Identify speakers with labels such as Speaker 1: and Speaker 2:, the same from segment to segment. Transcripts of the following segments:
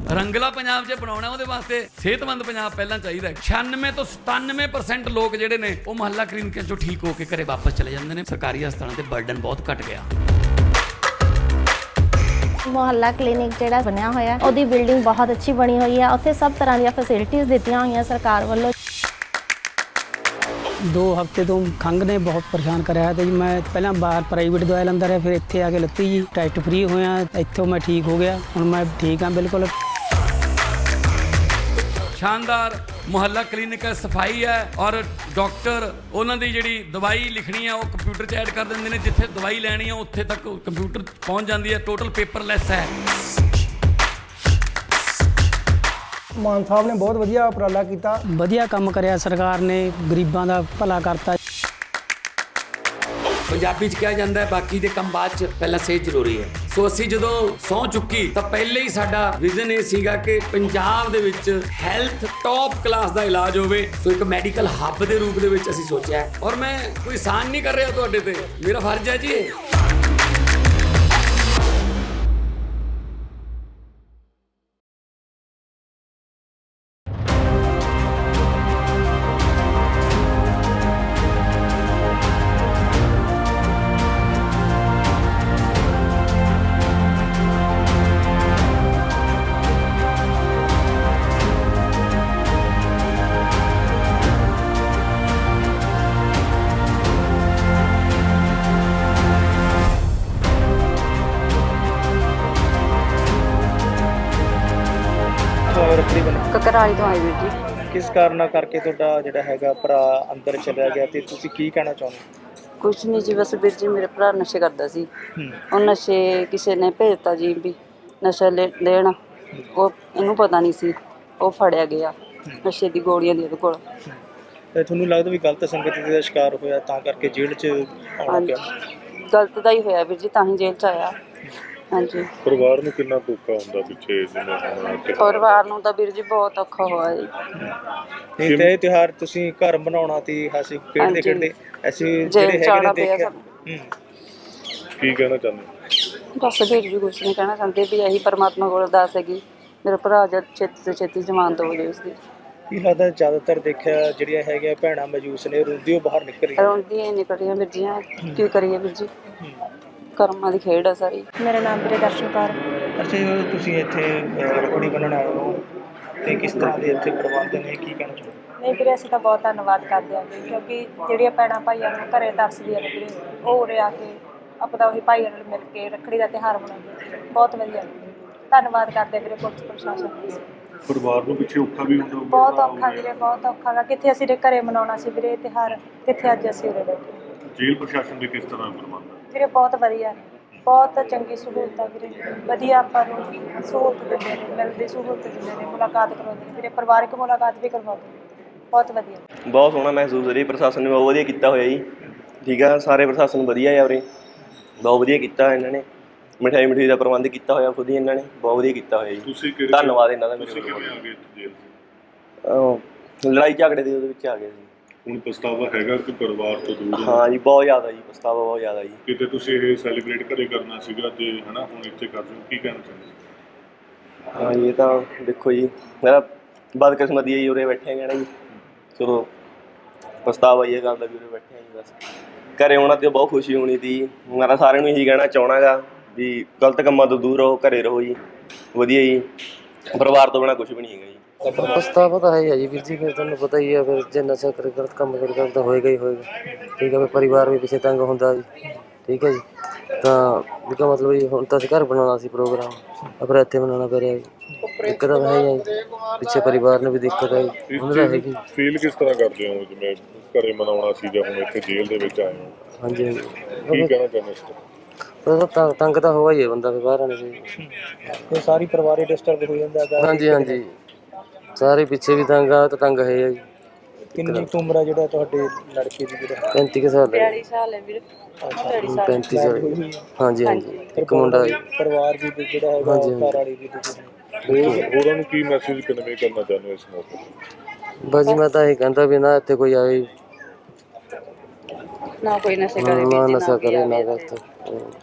Speaker 1: ਰੰਗਲਾ ਪੰਜਾਬ ਜੇ ਬਣਾਉਣਾ ਉਹਦੇ ਵਾਸਤੇ ਸਿਹਤਮੰਦ ਪੰਜਾਬ ਪਹਿਲਾਂ ਚਾਹੀਦਾ। 96 ਤੋਂ 97% ਲੋਕ ਜਿਹੜੇ ਨੇ ਉਹ ਮੁਹੱਲਾ ਕਲੀਨਿਕਾਂ ਚੋਂ ਠੀਕ ਹੋ ਕੇ ਘਰੇ ਵਾਪਸ ਚਲੇ ਜਾਂਦੇ ਨੇ। ਸਰਕਾਰੀ ਹਸਪਤਾਲਾਂ ਤੇ ਬਰਡਨ ਬਹੁਤ ਘਟ ਗਿਆ।
Speaker 2: ਮੁਹੱਲਾ ਕਲੀਨਿਕ ਜਿਹੜਾ ਬਣਿਆ ਹੋਇਆ ਉਹਦੀ ਬਿਲਡਿੰਗ ਬਹੁਤ ਅੱਛੀ ਬਣੀ ਹੋਈ ਹੈ। ਉੱਥੇ ਸਭ ਤਰ੍ਹਾਂ ਦੀਆਂ ਫੈਸਿਲਿਟੀਆਂ ਦਿੱਤੀਆਂ ਹੋਈਆਂ ਸਰਕਾਰ ਵੱਲੋਂ।
Speaker 3: 2 ਹਫ਼ਤੇ ਤੋਂ ਖੰਘ ਨੇ ਬਹੁਤ ਪਰੇਸ਼ਾਨ ਕਰਿਆ ਤੇ ਜੀ ਮੈਂ ਪਹਿਲਾਂ ਬਾਹਰ ਪ੍ਰਾਈਵੇਟ ਦਵਾਈ ਲੈਂਦਾ ਰਿਹਾ, ਫਿਰ ਇੱਥੇ ਆ ਕੇ ਲੱਤੀ ਜੀ, ਟੈਸਟ ਫ੍ਰੀ ਹੋਇਆ, ਇੱਥੋਂ ਮੈਂ ਠੀਕ ਹੋ ਗਿਆ। ਹੁਣ ਮੈਂ ਠੀਕ ਹਾਂ ਬਿਲਕੁਲ।
Speaker 1: ਸ਼ਾਨਦਾਰ ਮੁਹੱਲਾ ਕਲੀਨਿਕ ਹੈ, ਸਫਾਈ ਹੈ ਔਰ ਡਾਕਟਰ ਉਹਨਾਂ ਦੀ ਜਿਹੜੀ ਦਵਾਈ ਲਿਖਣੀ ਹੈ ਉਹ ਕੰਪਿਊਟਰ 'ਚ ਐਡ ਕਰ ਦਿੰਦੇ ਨੇ। ਜਿੱਥੇ ਦਵਾਈ ਲੈਣੀ ਹੈ ਉੱਥੇ ਤੱਕ ਕੰਪਿਊਟਰ ਪਹੁੰਚ ਜਾਂਦੀ ਹੈ। ਟੋਟਲ ਪੇਪਰਲੈਸ ਹੈ।
Speaker 4: ਮਾਨ ਸਾਹਿਬ ਨੇ ਬਹੁਤ ਵਧੀਆ ਉਪਰਾਲਾ ਕੀਤਾ,
Speaker 3: ਵਧੀਆ ਕੰਮ ਕਰਿਆ ਸਰਕਾਰ ਨੇ, ਗਰੀਬਾਂ ਦਾ ਭਲਾ ਕਰਤਾ।
Speaker 1: ਪੰਜਾਬੀ 'ਚ ਕਿਹਾ ਜਾਂਦਾ ਹੈ ਬਾਕੀ ਦੇ ਕੰਮ ਬਾਅਦ 'ਚ, ਪਹਿਲਾਂ ਸਿਹਤ ਜ਼ਰੂਰੀ ਹੈ। ਸੋ ਅਸੀਂ ਜਦੋਂ ਸਹੁੰ ਚੁੱਕੀ ਤਾਂ ਪਹਿਲੇ ਹੀ ਸਾਡਾ ਵਿਜ਼ਨ ਇਹ ਸੀਗਾ ਕਿ ਪੰਜਾਬ ਦੇ ਵਿੱਚ ਹੈਲਥ ਟੌਪ ਕਲਾਸ ਦਾ ਇਲਾਜ ਹੋਵੇ। ਸੋ ਇੱਕ ਮੈਡੀਕਲ ਹੱਬ ਦੇ ਰੂਪ ਦੇ ਵਿੱਚ ਅਸੀਂ ਸੋਚਿਆ ਔਰ ਮੈਂ ਕੋਈ ਆਸਾਨ ਨਹੀਂ ਕਰ ਰਿਹਾ ਤੁਹਾਡੇ ਤੇ, ਮੇਰਾ ਫਰਜ਼ ਹੈ ਜੀ ਇਹ।
Speaker 5: ਕਕਰਾਲੀ ਤੋਂ ਆਏ ਵੀਰ ਜੀ।
Speaker 4: ਕਿਸ ਕਾਰਨ ਕਰਕੇ ਤੁਹਾਡਾ ਜਿਹੜਾ ਹੈਗਾ ਭਰਾ ਅੰਦਰ ਚਲਿਆ ਗਿਆ ਤੇ ਤੁਸੀਂ ਕੀ ਕਹਿਣਾ ਚਾਹੁੰਦੇ?
Speaker 5: ਕੁਛ ਨਹੀਂ ਜੀ, ਬਸ ਵੀਰ ਜੀ ਮੇਰੇ ਭਰਾ ਨਸ਼ੇ ਕਰਦਾ ਸੀ। ਉਹ ਨਸ਼ੇ ਕਿਸੇ ਨੇ ਭੇਜਤਾ ਜੀ ਵੀ ਨਸ਼ਾ ਲੈਣ, ਉਹ ਇਹਨੂੰ ਪਤਾ ਨਹੀਂ ਸੀ, ਉਹ ਫੜਿਆ ਗਿਆ ਨਸ਼ੇ ਦੀ ਗੋਲੀਆਂ ਦੀ ਉਹਦੇ ਕੋਲ।
Speaker 4: ਤੇ ਤੁਹਾਨੂੰ ਲੱਗਦਾ ਵੀ ਗਲਤ ਸੰਗਤ ਦਾ ਸ਼ਿਕਾਰ ਹੋਇਆ ਤਾਂ ਕਰਕੇ ਜੇਲ੍ਹ 'ਚ ਆਉਣਾ ਪਿਆ?
Speaker 5: ਗਲਤ ਦਾ ਹੀ ਹੋਇਆ ਵੀਰ ਜੀ, ਤਾਂ ਹੀ ਜੇਲ੍ਹ 'ਚ ਆਇਆ। ਹਾਂਜੀ।
Speaker 6: ਪਰਿਵਾਰ ਨੂੰ ਕਿੰਨਾ ਔਖਾ ਹੁੰਦਾ ਪਿੱਛੇ ਜਿਵੇਂ ਹੁਣ
Speaker 5: ਪਰਿਵਾਰ ਨੂੰ ਤਾਂ ਵੀਰ ਜੀ ਬਹੁਤ ਔਖਾ ਹੋਇਆ ਜੀ।
Speaker 4: ਨਹੀਂ ਤੇ ਇਹ ਤਿਉਹਾਰ ਤੁਸੀਂ ਘਰ ਬਣਾਉਣਾ ਤੇ ਅਸੀਂ ਖੇਡਦੇ ਖੇਡਦੇ ਅਸੀਂ ਜਿਹੜੇ ਹੈਗੇ ਨੇ ਦੇਖਿਆ।
Speaker 6: ਕੀ ਕਹਿਣਾ ਚਾਹੁੰਦੇ?
Speaker 5: ਬਸ ਵੀਰ ਜੀ ਕੁਛ ਨਹੀਂ ਕਹਿਣਾ ਚਾਹੁੰਦੇ ਵੀ ਇਹੀ ਪਰਮਾਤਮਾ ਕੋਲ ਅਰਦਾਸ ਹੈਗੀ ਮੇਰਾ ਭਰਾ ਜਦ ਛੇਤੀ ਤੋਂ ਛੇਤੀ ਜ਼ਮਾਨਤ ਹੋ ਜਾਵੇ ਉਸਦੀ।
Speaker 4: ਕੀ ਲੱਗਦਾ ਜ਼ਿਆਦਾਤਰ ਦੇਖਿਆ ਜਿਹੜੀਆਂ ਹੈਗੀਆਂ ਭੈਣਾਂ ਮਜੂਸ ਨੇ ਰੋਂਦੀ ਉਹ ਬਾਹਰ ਨਿਕਲ ਰਹੀਆਂ?
Speaker 5: ਰੋਂਦੀਆਂ ਨਿਕਲ ਰਹੀਆਂ ਵੀਰ ਜੀ, ਕੀ ਕਰੀਏ ਵੀਰ ਜੀ, ਕਰਮਾਂ ਦੀ ਖੇਡ ਆ ਸਾਰੀ।
Speaker 2: ਮੇਰਾ ਨਾਮ ਵੀਰੇ ਦਰਸ਼ਨ ਕੌਰ।
Speaker 4: ਅੱਛਾ ਜੀ, ਤੁਸੀਂ ਇੱਥੇ ਰੱਖੜੀ ਬੰਨ੍ਹਣ ਆਏ ਹੋ ਤੇ ਕਿਸ ਤਰ੍ਹਾਂ ਦੇ ਇੱਥੇ ਪ੍ਰਬੰਧ ਨੇ, ਕੀ ਕਹਿਣਾ ਚਾਹੁੰਦੇ?
Speaker 2: ਨਹੀਂ ਵੀਰੇ, ਅਸੀਂ ਤਾਂ ਬਹੁਤ ਧੰਨਵਾਦ ਕਰਦੇ ਹਾਂ ਜੀ, ਕਿਉਂਕਿ ਜਿਹੜੀਆਂ ਭੈਣਾਂ ਭਾਈਆਂ ਨੂੰ ਘਰੇ ਤਰਸਦੀਆਂ ਨੇ ਵੀਰੇ, ਉਹ ਉਰੇ ਆ ਕੇ ਆਪਣਾ ਉਹੀ ਭਾਈਆਂ ਨਾਲ ਮਿਲ ਕੇ ਰੱਖੜੀ ਦਾ ਤਿਉਹਾਰ ਮਨਾਉਂਦੇ। ਬਹੁਤ ਵਧੀਆ, ਧੰਨਵਾਦ ਕਰਦੇ ਵੀਰੇ ਪੁਲਿਸ ਪ੍ਰਸ਼ਾਸਨ ਦਾ।
Speaker 6: ਪਰਿਵਾਰ ਨੂੰ ਪਿੱਛੇ ਔਖਾ ਵੀ ਹੁੰਦਾ?
Speaker 2: ਬਹੁਤ ਔਖਾ ਵੀਰੇ, ਬਹੁਤ ਔਖਾ ਗਾ। ਕਿੱਥੇ ਅਸੀਂ ਘਰੇ ਮਨਾਉਣਾ ਸੀ ਵੀਰੇ ਤਿਉਹਾਰ, ਕਿੱਥੇ ਅੱਜ ਅਸੀਂ ਉਰੇ ਬੈਠੇ।
Speaker 6: ਜੇਲ੍ਹ ਪ੍ਰਸ਼ਾਸਨ ਦੇ ਕਿਸ ਤਰ੍ਹਾਂ ਪ੍ਰਬੰਧ ਹੈ?
Speaker 2: ਵੀਰੇ ਬਹੁਤ ਵਧੀਆ, ਬਹੁਤ ਚੰਗੀ ਸਹੂਲਤ ਆ ਵੀਰੇ, ਵਧੀਆ ਆਪਾਂ ਨੂੰ ਸਹੂਲਤ ਦਿੰਦੇ ਨੇ, ਮਿਲਦੀ ਸਹੂਲਤ ਦਿੰਦੇ ਨੇ, ਮੁਲਾਕਾਤ ਕਰਵਾਉਂਦੇ ਨੇ ਵੀਰੇ, ਪਰਿਵਾਰਕ ਮੁਲਾਕਾਤ ਵੀ ਕਰਵਾਉਂਦੇ ਨੇ। ਬਹੁਤ ਵਧੀਆ,
Speaker 7: ਬਹੁਤ ਸੋਹਣਾ ਮਹਿਸੂਸ ਹੋ ਰਿਹਾ। ਪ੍ਰਸ਼ਾਸਨ ਨੇ ਬਹੁਤ ਵਧੀਆ ਕੀਤਾ ਹੋਇਆ ਜੀ। ਠੀਕ ਆ, ਸਾਰੇ ਪ੍ਰਸ਼ਾਸਨ ਵਧੀਆ ਆ ਉਰੇ, ਬਹੁਤ ਵਧੀਆ ਕੀਤਾ ਇਹਨਾਂ ਨੇ। ਮਿਠਾਈ ਦਾ ਪ੍ਰਬੰਧ ਕੀਤਾ ਹੋਇਆ ਖੁਦ ਹੀ ਇਹਨਾਂ ਨੇ, ਬਹੁਤ ਵਧੀਆ ਕੀਤਾ ਹੋਇਆ ਜੀ। ਧੰਨਵਾਦ ਇਹਨਾਂ ਦਾ। ਲੜਾਈ ਝਗੜੇ ਦੇ ਉਹਦੇ ਵਿੱਚ ਆ ਗਏ ਸੀ।
Speaker 6: ਹੁਣ ਪਛਤਾਵਾ ਹੈਗਾ ਕਿ ਪਰਿਵਾਰ ਤੋਂ ਦੂਰ?
Speaker 7: ਹਾਂ ਜੀ, ਬਹੁਤ ਜ਼ਿਆਦਾ ਜੀ, ਪਛਤਾਵਾ ਬਹੁਤ ਜ਼ਿਆਦਾ ਜੀ।
Speaker 6: ਕਿਤੇ ਤੁਸੀਂ ਇਹ ਸੈਲੀਬ੍ਰੇਟ ਘਰੇ ਕਰਨਾ ਸੀਗਾ ਤੇ ਹਨਾ ਹੁਣ ਇੱਥੇ ਕਰ ਰਹੇ ਹੋ, ਕੀ ਕਹਿਣਾ ਚਾਹੁੰਦੇ?
Speaker 7: ਹਾਂ ਜੀ, ਇਹ ਤਾਂ ਦੇਖੋ ਜੀ, ਮੇਰਾ ਬਦਕਿਸਮਤੀ ਹੈ ਜੀ, ਉਰੇ ਬੈਠੇ ਹੈਗੇ ਨਾ ਜੀ। ਚਲੋ ਪਛਤਾਵਾ ਇਹ ਗੱਲ ਦਾ ਵੀ ਉਰੇ ਬੈਠੇ ਹਾਂ ਜੀ। ਬਸ ਘਰੇ ਆਉਣਾ ਤੇ ਬਹੁਤ ਖੁਸ਼ੀ ਹੋਣੀ ਸੀ। ਮੈਂ ਸਾਰਿਆਂ ਨੂੰ ਇਹੀ ਕਹਿਣਾ ਚਾਹੁੰਦਾ ਗਾ ਵੀ ਗਲਤ ਕੰਮਾਂ ਤੋਂ ਦੂਰ ਰਹੋ, ਘਰੇ ਰਹੋ ਜੀ, ਵਧੀਆ ਜੀ। ਪਰਿਵਾਰ ਤੋਂ ਬਿਨਾਂ ਕੁਛ ਵੀ ਨਹੀਂ ਹੈਗਾ ਜੀ।
Speaker 8: ਪਛਤਾਵਾ ਤਾਂ ਹੈ ਜੀ ਵੀਰ ਜੀ, ਫਿਰ ਤੁਹਾਨੂੰ ਪਤਾ ਹੀ ਹੈ, ਫਿਰ ਜੇ ਨਸ਼ਾ ਕਰ ਗਲਤ ਕੰਮ ਕਰੇਗਾ ਤਾਂ ਹੋਏਗਾ ਹੀ ਹੋਏਗਾ। ਠੀਕ ਹੈ, ਫਿਰ ਪਰਿਵਾਰ ਵੀ ਪਿੱਛੇ ਤੰਗ ਹੁੰਦਾ ਜੀ। ਠੀਕ ਹੈ ਜੀ, ਤਾਂ ਇਹਦਾ ਮਤਲਬ ਜੀ ਹੁਣ ਤਾਂ ਅਸੀਂ ਘਰ ਬਣਾਉਣਾ ਸੀ ਪ੍ਰੋਗਰਾਮ, ਪਰ ਇੱਥੇ ਬਣਾਉਣਾ ਪੈ ਰਿਹਾ ਜੀ। ਦਿੱਕਤ ਤਾਂ ਹੈ ਜੀ, ਪਿੱਛੇ ਪਰਿਵਾਰ ਨੂੰ ਵੀ ਦਿੱਕਤ ਹੈ ਜੀ, ਉਹਨਾਂ ਦਾ ਹੈਗੀ।
Speaker 6: ਫੀਲ ਕਿਸ ਤਰ੍ਹਾਂ ਕਰਦੇ ਹੋ ਜਿਵੇਂ ਘਰੇ ਮਨਾਉਣਾ ਸੀ ਜਾਂ ਹੁਣ ਇੱਥੇ ਜੇਲ੍ਹ ਦੇ ਵਿੱਚ ਆਏ ਹੋ?
Speaker 8: ਹਾਂਜੀ ਹਾਂਜੀ,
Speaker 6: ਕੀ ਕਹਿਣਾ ਚਾਹੁੰਦੇ ਇਸ
Speaker 8: ਤਾਂ ਤੰਗ ਤਾਂ ਹੋਇਆ ਹੀ ਹੈ ਬੰਦਾ, ਫਿਰ ਬਾਹਰ ਆਣੇ
Speaker 4: ਇਹ ਸਾਰੀ ਪਰਿਵਾਰ ਹੀ ਡਿਸਟਰਬ ਹੋ ਜਾਂਦਾ ਹੈਗਾ।
Speaker 8: ਹਾਂਜੀ ਹਾਂਜੀ, ਸਾਰੇ ਪਿੱਛੇ ਵੀ ਤੰਗ ਆ, ਤਾਂ ਤੰਗ ਹੈ ਜੀ।
Speaker 4: ਕਿੰਨੀ ਕੁ ਉਮਰ ਹੈ ਜਿਹੜਾ ਤੁਹਾਡੇ ਲੜਕੇ ਦੀ? ਜਿਹੜਾ
Speaker 8: 35 ਸਾਲ ਹੈ।
Speaker 5: 42 ਸਾਲ ਹੈ ਵੀਰ।
Speaker 8: 35 ਸਾਲ। ਹਾਂਜੀ ਹਾਂਜੀ, ਇੱਕ ਮੁੰਡਾ ਜੀ।
Speaker 4: ਪਰਿਵਾਰ ਵੀ ਜਿਹੜਾ ਹੈਗਾ ਘਰ ਵਾਲੀ ਵੀ
Speaker 6: ਹੋਰਾਂ ਨੂੰ ਕੀ ਮੈਸੇਜ ਕਨਵੇ ਕਰਨਾ ਚਾਹੁੰਦੇ ਹੋ ਇਸ ਮੌਕੇ?
Speaker 8: ਬਸ ਜੀ ਮੈਂ ਤਾਂ ਇਹ ਕਹਿੰਦਾ ਵੀ ਨਾ ਇੱਥੇ ਕੋਈ ਆਏ
Speaker 5: ਨਾ ਕੋਈ ਨਸ਼ਾ ਕਰੇ,
Speaker 8: ਨਾ ਨਸ਼ਾ ਕਰੇ, ਨਾ ਗਲਤ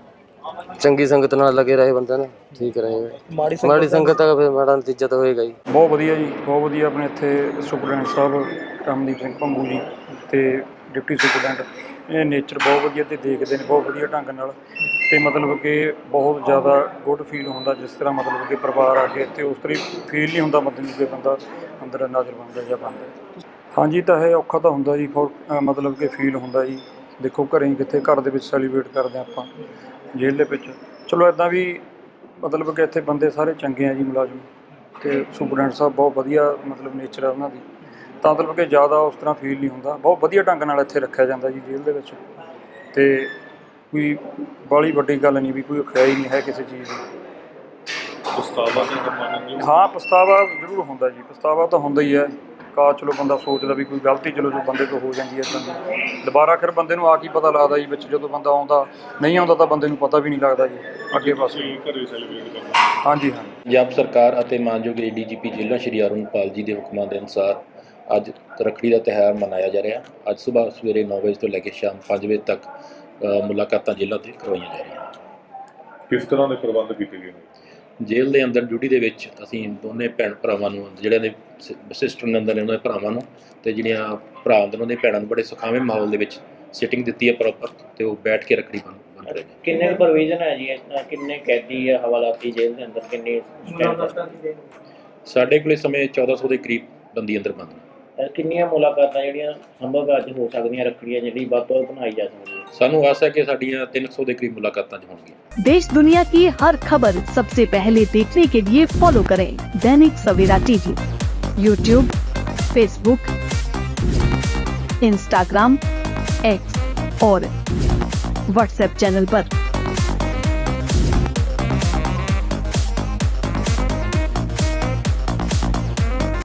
Speaker 8: ਚੰਗੀ ਸੰਗਤ ਨਾਲ ਲੱਗੇ ਰਹੇ ਬੰਦਾ ਨਾ ਠੀਕ ਰਹੇਗਾ। ਮਾੜੀ ਸੰਗਤ ਦਾ ਫਿਰ ਮਾੜਾ ਨਤੀਜਾ ਤਾਂ ਹੋਏਗਾ ਜੀ।
Speaker 9: ਬਹੁਤ ਵਧੀਆ ਜੀ, ਬਹੁਤ ਵਧੀਆ। ਆਪਣੇ ਇੱਥੇ ਸੁਪਰਡੈਂਟ ਸਾਹਿਬ ਰਮਨਦੀਪ ਸਿੰਘ ਭੰਗੂ ਜੀ ਤੇ ਡਿਪਟੀ ਸੁਪਰਡੈਂਟ, ਇਹ ਨੇਚਰ ਬਹੁਤ ਵਧੀਆ ਤੇ ਦੇਖਦੇ ਨੇ ਬਹੁਤ ਵਧੀਆ ਢੰਗ ਨਾਲ, ਤੇ ਮਤਲਬ ਕਿ ਬਹੁਤ ਜ਼ਿਆਦਾ ਗੁੱਡ ਫੀਲ ਹੁੰਦਾ ਜਿਸ ਤਰ੍ਹਾਂ ਮਤਲਬ ਕਿ ਪਰਿਵਾਰ ਆ ਕੇ ਇੱਥੇ ਉਸ ਤਰ੍ਹਾਂ ਫੀਲ ਨਹੀਂ ਹੁੰਦਾ ਬੰਦੇ ਨੂੰ ਕਿ ਬੰਦਾ ਅੰਦਰ ਨਾਜ਼ਰ ਬਣਦਾ ਜਾਂ ਬਣਦਾ। ਹਾਂਜੀ ਤਾਂ ਇਹ ਔਖਾ ਤਾਂ ਹੁੰਦਾ ਜੀ, ਮਤਲਬ ਕਿ ਫੀਲ ਹੁੰਦਾ ਜੀ। ਦੇਖੋ ਘਰੇ ਕਿੱਥੇ, ਘਰ ਦੇ ਵਿੱਚ ਸੈਲੀਬ੍ਰੇਟ ਕਰਦੇ ਆਪਾਂ, ਜੇਲ੍ਹ ਦੇ ਵਿੱਚ ਚਲੋ ਇੱਦਾਂ ਵੀ ਮਤਲਬ ਕਿ ਇੱਥੇ ਬੰਦੇ ਸਾਰੇ ਚੰਗੇ ਆ ਜੀ ਮੁਲਾਜ਼ਮ, ਅਤੇ ਸੁਪਰਡੈਂਟ ਸਾਹਿਬ ਬਹੁਤ ਵਧੀਆ ਮਤਲਬ ਨੇਚਰ ਆ ਉਹਨਾਂ ਦੀ, ਤਾਂ ਮਤਲਬ ਕਿ ਜ਼ਿਆਦਾ ਉਸ ਤਰ੍ਹਾਂ ਫੀਲ ਨਹੀਂ ਹੁੰਦਾ। ਬਹੁਤ ਵਧੀਆ ਢੰਗ ਨਾਲ ਇੱਥੇ ਰੱਖਿਆ ਜਾਂਦਾ ਜੀ ਜੇਲ੍ਹ ਦੇ ਵਿੱਚ, ਅਤੇ ਕੋਈ ਬਾਹਲੀ ਵੱਡੀ ਗੱਲ ਨਹੀਂ ਵੀ ਕੋਈ ਖਿਆਈ ਨਹੀਂ ਹੈ ਕਿਸੇ ਚੀਜ਼ ਦੀ। ਹਾਂ ਪਛਤਾਵਾ ਜ਼ਰੂਰ ਹੁੰਦਾ ਜੀ, ਪਛਤਾਵਾ ਤਾਂ ਹੁੰਦਾ ਹੀ ਹੈ। ਚਲੋ ਬੰਦਾ ਸੋਚਦਾ ਵੀ ਕੋਈ ਗਲਤੀ ਚਲੋ ਜੋ ਬੰਦੇ ਤੋਂ ਹੋ ਜਾਂਦੀ ਹੈ ਇੱਦਾਂ ਦੀ, ਦੁਬਾਰਾ ਫਿਰ ਬੰਦੇ ਨੂੰ ਆ ਕੀ ਪਤਾ ਲੱਗਦਾ ਜੀ ਵਿੱਚ, ਜਦੋਂ ਬੰਦਾ ਆਉਂਦਾ ਨਹੀਂ ਆਉਂਦਾ ਤਾਂ ਬੰਦੇ ਨੂੰ ਪਤਾ ਵੀ ਨਹੀਂ ਲੱਗਦਾ ਜੀ ਅੱਗੇ ਪਾਸੇ। ਹਾਂਜੀ ਹਾਂ।
Speaker 10: ਪੰਜਾਬ ਸਰਕਾਰ ਅਤੇ ਮਾਨਯੋਗ ADGP ਜ਼ਿਲ੍ਹਾ ਸ਼੍ਰੀ ਅਰੁਣਪਾਲ ਜੀ ਦੇ ਹੁਕਮਾਂ ਦੇ ਅਨੁਸਾਰ ਅੱਜ ਰੱਖੜੀ ਦਾ ਤਿਉਹਾਰ ਮਨਾਇਆ ਜਾ ਰਿਹਾ। ਅੱਜ ਸਵੇਰੇ 9 ਵਜੇ ਤੋਂ ਲੈ ਕੇ ਸ਼ਾਮ 5 ਵਜੇ ਤੱਕ ਮੁਲਾਕਾਤਾਂ ਜੇਲ੍ਹਾਂ 'ਤੇ ਕਰਵਾਈਆਂ ਜਾ ਰਹੀਆਂ।
Speaker 6: ਕਿਸ ਤਰ੍ਹਾਂ ਦੇ ਪ੍ਰਬੰਧ ਕੀਤੇ ਗਏ ਨੇ?
Speaker 10: ਜੇਲ੍ਹ ਦੇ ਅੰਦਰ ਡਿਊਟੀ ਦੇ ਵਿੱਚ ਅਸੀਂ ਦੋਨੇ ਭੈਣ ਭਰਾਵਾਂ ਨੂੰ, ਜਿਹੜਿਆਂ ਦੇ ਸਿਸਟਰ ਨੇ ਅੰਦਰ ਨੇ ਉਹਨਾਂ ਦੇ ਭਰਾਵਾਂ ਨੂੰ, ਅਤੇ ਜਿਹੜੀਆਂ ਭਰਾ ਅੰਦਰ ਉਹਨਾਂ ਦੇ ਭੈਣਾਂ ਨੂੰ ਬੜੇ ਸੁਖਾਵੇਂ ਮਾਹੌਲ ਦੇ ਵਿੱਚ ਸਿਟਿੰਗ ਦਿੱਤੀ ਹੈ ਪ੍ਰੋਪਰ, ਅਤੇ ਉਹ ਬੈਠ ਕੇ ਰੱਖੜੀ ਬੰਨ ਰਹੇ ਨੇ।
Speaker 11: ਕਿੰਨੇ ਪ੍ਰੋਵੀਜ਼ਨ ਹੈ ਜੀ, ਕਿੰਨੇ ਕੈਦੀ ਹੈ ਹਵਾਲਾਤੀ ਜੇਲ੍ਹ ਦੇ ਅੰਦਰ, ਕਿੰਨੇ
Speaker 10: ਸਾਡੇ ਕੋਲ ਇਸ ਸਮੇਂ 1400 ਦੇ ਕਰੀਬ ਬੰਦੀ ਅੰਦਰ ਬੰਦ ਨੇ।
Speaker 11: ਕਿੰਨੀਆਂ ਮੁਲਾਕਾਤਾਂ ਜਿਹੜੀਆਂ ਸੰਭਵ ਅੱਜ ਹੋ ਸਕਦੀਆਂ ਰੱਖੜੀਆਂ ਜਿਹੜੀ ਵੱਧ ਤੋਂ ਵੱਧ ਬਣਾਈ ਜਾ ਸਕਦੀ ਹੈ?
Speaker 10: ਸਾਨੂੰ ਆਸ ਹੈ ਕਿ ਸਾਡੀਆਂ 300 ਦੇ ਕਰੀਬ ਮੁਲਾਕਾਤਾਂ ਹੋਣਗੀਆਂ।
Speaker 12: देश दुनिया की हर खबर सबसे पहले देखने के लिए फॉलो करें Dainik Savera TV, YouTube, Facebook, Instagram, X और WhatsApp चैनल पर।